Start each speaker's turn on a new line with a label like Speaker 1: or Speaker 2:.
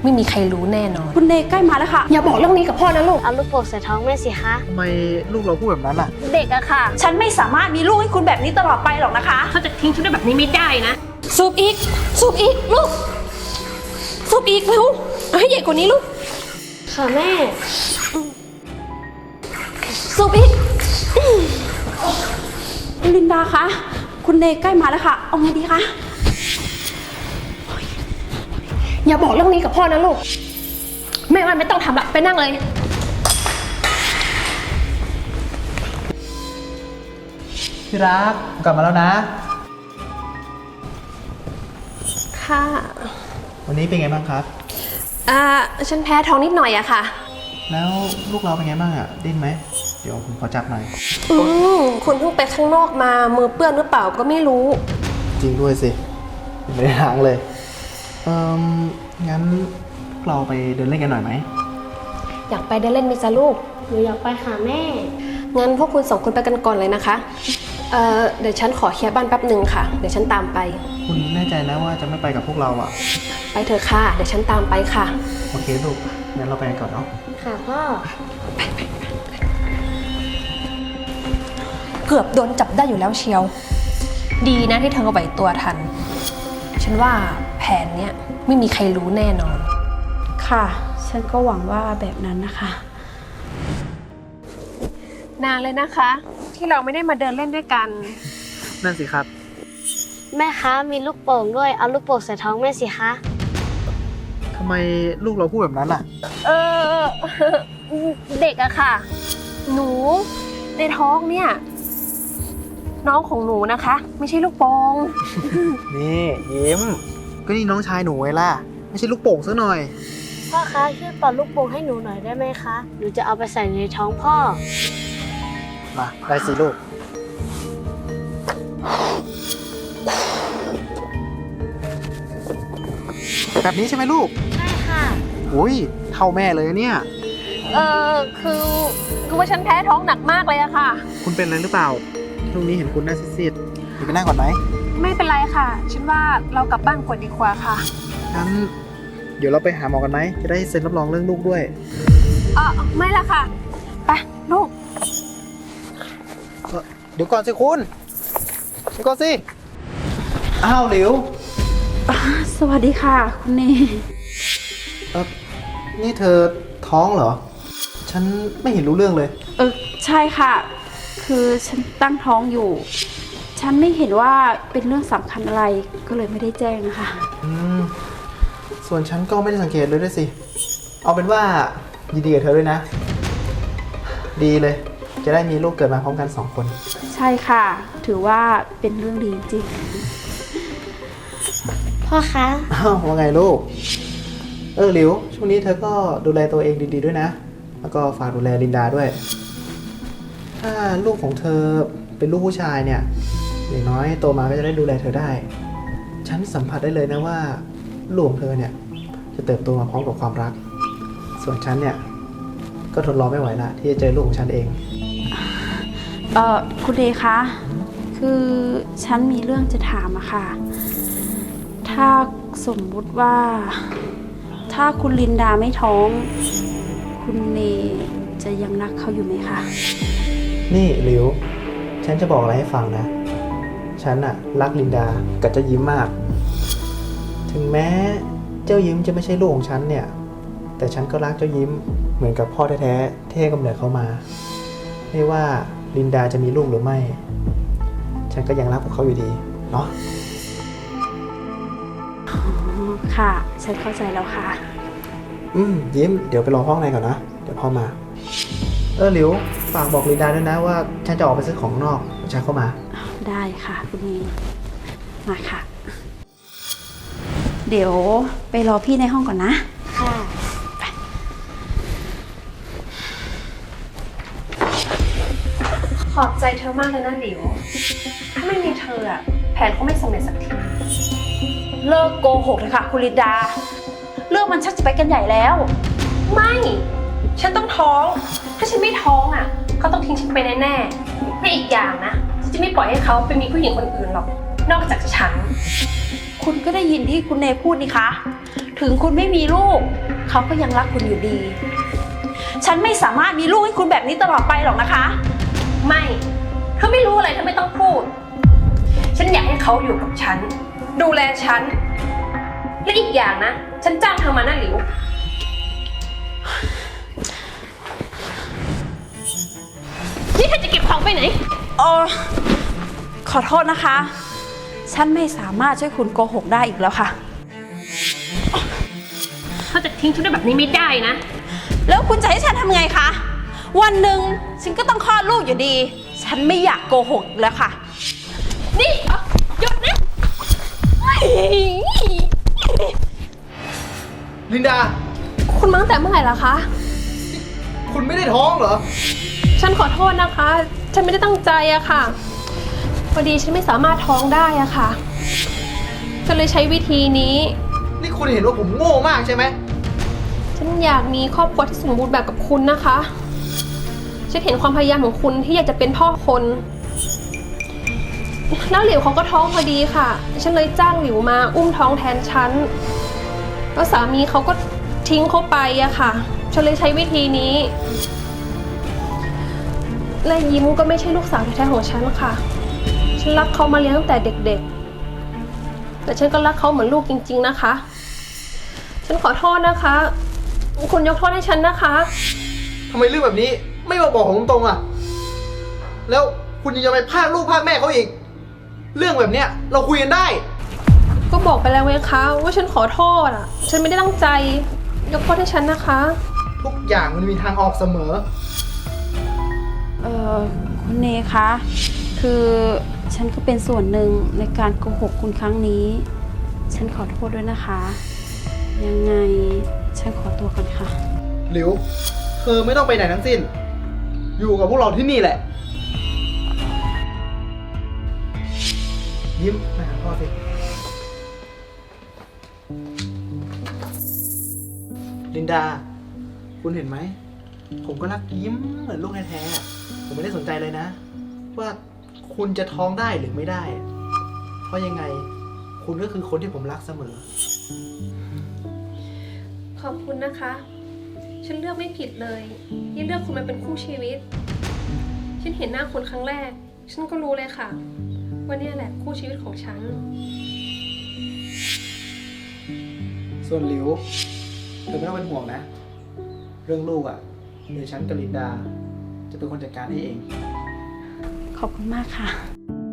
Speaker 1: ไม่มีใครรู้แน่นอน
Speaker 2: คุณเนใกล้มาแล้วค่ะ
Speaker 1: อย่าบอกเรื่องนี้กับพ่อนะลูก
Speaker 3: เอาลูกโป่งใส่ท้องแม่สิคะ
Speaker 4: ทำไมลูกเราพูดแบบนั้นล่ะ
Speaker 2: เด็กอะค่ะฉันไม่สามารถมีลูกให้คุณแบบนี้ตลอดไปหรอกนะคะ
Speaker 1: เขาจะทิ้งฉันได้แบบนี้ไม่ได้นะสูบอีกสูบอีกลูกสูบอีกเร็วเอาให้ใหญ่กว่านี้ลูก
Speaker 3: ค่ะแม่
Speaker 1: สูบอีก
Speaker 2: ลินดาคะคุณเนใกล้มาแล้วค่ะเอาไงดีคะ
Speaker 1: อย่าบอกเรื่องนี้กับพ่อนะลูกแม่ว่าไม่ต้องทำละไปนั่งเลย
Speaker 4: ที่รักกลับมาแล้วนะ
Speaker 1: ค่ะ
Speaker 4: วันนี้เป็นไงบ้างครับ
Speaker 1: ฉันแพ้ท้องนิดหน่อยอะค่ะ
Speaker 4: แล้วลูกเราเป็นไงบ้างอะดิ้นไหมเดี๋ยวผมขอจับหน่อย
Speaker 1: คุณเพิ่งไปข้างนอกมามือเปื้อนหรือเปล่าก็ไม่รู้
Speaker 4: จริงด้วยสิไม่ได้ล้างเลยงั้นเราไปเดินเล่นกันหน่อยไหม
Speaker 1: อยากไปเดินเล่นไหมจ๊ะลูก
Speaker 3: หนูอยากไปหาแม่
Speaker 1: งั้นพวกคุณ2 คนไปกันก่อนเลยนะคะเดี๋ยวฉันขอเคลียร์บ้านแป๊บหนึ่งค่ะเดี๋ยวฉันตามไป
Speaker 4: คุณแน่ใจนะว่าจะไม่ไปกับพวกเราอะ
Speaker 1: ไปเถอะค่ะเดี๋ยวฉันตามไปค่ะ
Speaker 4: โอเคลูกงั้นเราไปกันก่อนเนาะ
Speaker 3: ค่ะพ่อ
Speaker 1: เกือบโดนจับได้อยู่แล้วเชียวดีนะที่เธอไหวตัวทันฉันว่าแผนเนี้ยไม่มีใครรู้แน่นอน
Speaker 2: ค่ะฉันก็หวังว่าแบบนั้นนะคะ
Speaker 1: นานเลยนะคะที่เราไม่ได้มาเดินเล่นด้วยกัน
Speaker 4: นั่นสิครับ
Speaker 3: แม่คะมีลูกโป่งด้วยเอาลูกโป่งใส่ท้องแม่สิคะ
Speaker 4: ทำไมลูกเราพูดแบบนั้นล่ะ
Speaker 1: เด็กอะค่ะหนูในท้องเนี่ยน้องของหนูนะคะไม่ใช่ลูกโป่ง
Speaker 4: นี่ยิ้มก็นี่น้องชายหนูไงล่ะไม่ใช่ลูกโป่งซะหน่อย
Speaker 3: พ่อคะช่วยเป่าลูกโป่งให้หนูหน่อยได้ไหมคะหนูจะเอาไปใส่ในท้องพ่อ
Speaker 4: มาได้สิลูกแบบนี้ใช่ไหมลูก
Speaker 3: ใช่ค่ะ
Speaker 4: อุ้ยเท่าแม่เลยเนี่ย
Speaker 1: คือว่าฉันแพ้ท้องหนักมากเลยอะค่ะ
Speaker 4: คุณเป็นอะไรหรือเปล่าช่วงนี้เห็นคุณหน้าซีดๆไปนั่งก่อนไหม
Speaker 1: ไม่เป็นไรค่ะฉันว่าเรากลับบ้านก่อนดีกว่าค่ะ
Speaker 4: งั้นเดี๋ยวเราไปหาหมอกันไหมจะได้เซ็นรับรองเรื่องลูกด้วย
Speaker 1: ไม่ละค่ะไปลูก
Speaker 4: เดี๋ยวก่อนสิคุณเดี๋ยวก่อนสิอ้าวหลิว
Speaker 2: สวัสดีค่ะคุณเน
Speaker 4: นี่เธอท้องเหรอฉันไม่เห็นรู้เรื่องเลย
Speaker 2: ใช่ค่ะคือฉันตั้งท้องอยู่ฉันไม่เห็นว่าเป็นเรื่องสำคัญอะไรก็เลยไม่ได้แจ้งนะคะ
Speaker 4: ส่วนฉันก็ไม่ได้สังเกตเลยด้วยสิเอาเป็นว่ายินดีกับเธอด้วยนะดีเลยจะได้มีลูกเกิดมาพร้อมกัน2 คน
Speaker 2: ใช่ค่ะถือว่าเป็นเรื่องดีจริง
Speaker 3: พ่อคะ
Speaker 4: ว่าไงลูกหลิวช่วงนี้เธอก็ดูแลตัวเองดีๆด้วยนะแล้วก็ฝากดูแลลินดาด้วยถ้าลูกของเธอเป็นลูกผู้ชายเนี่ยอย่างน้อยโตมาก็จะได้ดูแลเธอได้ฉันสัมผัสได้เลยนะว่าลูกของเธอเนี่ยจะเติบโตมาพร้อมกับความรักส่วนฉันเนี่ยก็ทนรอไม่ไหวละที่จะเจอลูกของฉันเอง
Speaker 2: คุณเดคะคือฉันมีเรื่องจะถามอะค่ะถ้าสมมุติว่าถ้าคุณลินดาไม่ท้องคุณเนจะยังรักเขาอยู่ไหมคะ
Speaker 4: นี่หลิวฉันจะบอกอะไรให้ฟังนะฉันอะรักลินดากับเจ้ายิ้มมากถึงแม้เจ้ายิ้มจะไม่ใช่ลูกของฉันเนี่ยแต่ฉันก็รักเจ้ายิ้มเหมือนกับพ่อแท้ๆที่ให้กำเนิดเขามาไม่ว่าลินดาจะมีลูกหรือไม่ฉันก็ยังรักพวกเขาอยู่ดีเนาะ
Speaker 2: ค่ะฉันเข้าใจแล้วค่ะ
Speaker 4: ยิ้มเดี๋ยวไปรอห้องในก่อนนะเดี๋ยวพ่อมาหลิวฝากบอกลินดาด้วยนะว่าฉันจะออกไปซื้อของนอกฉันเข้ามา
Speaker 2: ได้ค่ะคุณเนมาค่ะเดี๋ยวไปรอพี่ในห้องก่อนนะ
Speaker 3: ค่ะ
Speaker 1: ขอบใจเธอมากเลยนะหลิวถ้าไม่มีเธออะแผนก็ไม่สำเร็จสักที
Speaker 2: เลิกโกหกเลยค่ะคุณลินดาเรื่องมันชักจะไปกันใหญ่แล้ว
Speaker 1: ไม่ฉันต้องท้องถ้าฉันไม่ท้องอะเขาต้องทิ้งฉันไปแน่ๆและอีกอย่างนะฉันจะไม่ปล่อยให้เขาไปมีผู้หญิงคนอื่นหรอกนอกจากฉัน
Speaker 2: คุณก็ได้ยินที่คุณเนพูดนี่คะถึงคุณไม่มีลูก เขาก็ยังรักคุณอยู่ดี ฉันไม่สามารถมีลูกให้คุณแบบนี้ตลอดไปหรอกนะคะ
Speaker 1: ไม่เธอไม่รู้อะไรเธอไม่ต้องพูด ฉันอยากให้เขาอยู่กับฉัน ดูแลฉัน และอีกอย่างนะ ฉันจ้างเธอมานะหลิว นี่เธอจะเก็บของไปไหน
Speaker 2: ขอโทษนะคะ ฉันไม่สามารถช่วยคุณโกหกได้อีกแล้วค่ะ
Speaker 1: เธอจะทิ้งฉันได้แบบนี้ไม่ได้นะ
Speaker 2: แล้วคุณจะให้ฉันทำไงคะ วันหนึ่งฉันก็ต้องคลอดลูกอยู่ดี ฉันไม่อยากโกหกอีกแล้วค่ะ
Speaker 1: นี่หยุดนะ
Speaker 4: ลินดา
Speaker 1: คุณมาตั้งแต่เมื่อไหร่ล่ะคะ
Speaker 4: คุณไม่ได้ท้องเหรอ
Speaker 1: ฉันขอโทษนะคะ ฉันไม่ได้ตั้งใจอะค่ะ พอดีฉันไม่สามารถท้องได้อะค่ะก็เลยใช้วิธีนี้
Speaker 4: นี่คุณเห็นว่าผมโง่มากใช่ไหม
Speaker 1: ฉันอยากมีครอบครัวที่สมบูรณ์แบบกับคุณนะคะ ฉันเห็นความพยายามของคุณที่อยากจะเป็นพ่อคน แล้วหลิวเขาก็ท้องพอดีค่ะ ฉันเลยจ้างหลิวมาอุ้มท้องแทนฉัน แล้วสามีเขาก็ทิ้งเขาไปอะค่ะ ฉันเลยใช้วิธีนี้ และยิ้มก็ไม่ใช่ลูกสาวแท้ๆของฉันค่ะ ฉันรับเขามาเลี้ยงตั้งแต่เด็กๆ แต่ฉันก็รักเขาเหมือนลูกจริงๆนะคะ ฉันขอโทษนะคะ คุณยกโทษให้ฉันนะคะ
Speaker 4: ทำไมเรื่องแบบนี้ไม่มาบอกผมตรงๆอ่ะ แล้วคุณยังจะไปพากลูกพากแม่เขาอีก เรื่องแบบเนี้ยเราคุยกันได้
Speaker 1: ก็บอกไปแล้วไงคะว่าฉันขอโทษอ่ะ ฉันไม่ได้ตั้งใจ ยกโทษให้ฉันนะคะ
Speaker 4: ทุกอย่างมันมีทางออกเสมอ
Speaker 2: คุณเนคะ คือฉันก็เป็นส่วนหนึ่งในการโกหกคุณครั้งนี้ ฉันขอโทษด้วยนะคะ ยังไงฉันขอตัวก่อนค่ะ
Speaker 4: หลิว เธอไม่ต้องไปไหนทั้งสิ้น อยู่กับพวกเราที่นี่แหละ ยิ้มมาหาพ่อสิ ลินดา คุณเห็นไหม ผมก็รักยิ้มเหมือนลูกแท้ๆอะผมไม่ได้สนใจเลยนะ ว่าคุณจะท้องได้หรือไม่ได้ เพราะยังไง คุณก็คือคนที่ผมรักเสมอ
Speaker 1: ขอบคุณนะคะ ฉันเลือกไม่ผิดเลยที่เลือกคุณมาเป็นคู่ชีวิต ฉันเห็นหน้าคุณครั้งแรก ฉันก็รู้เลยค่ะว่าเนี่ยแหละคู่ชีวิตของฉัน
Speaker 4: ส่วนหลิว เธอไม่ต้องเป็นห่วงนะ เรื่องลูกอ่ะเดี๋ยวฉันกับลินดา จะเป็นคนจัดการให้เอง
Speaker 2: ขอบคุณมากค่ะ
Speaker 4: ค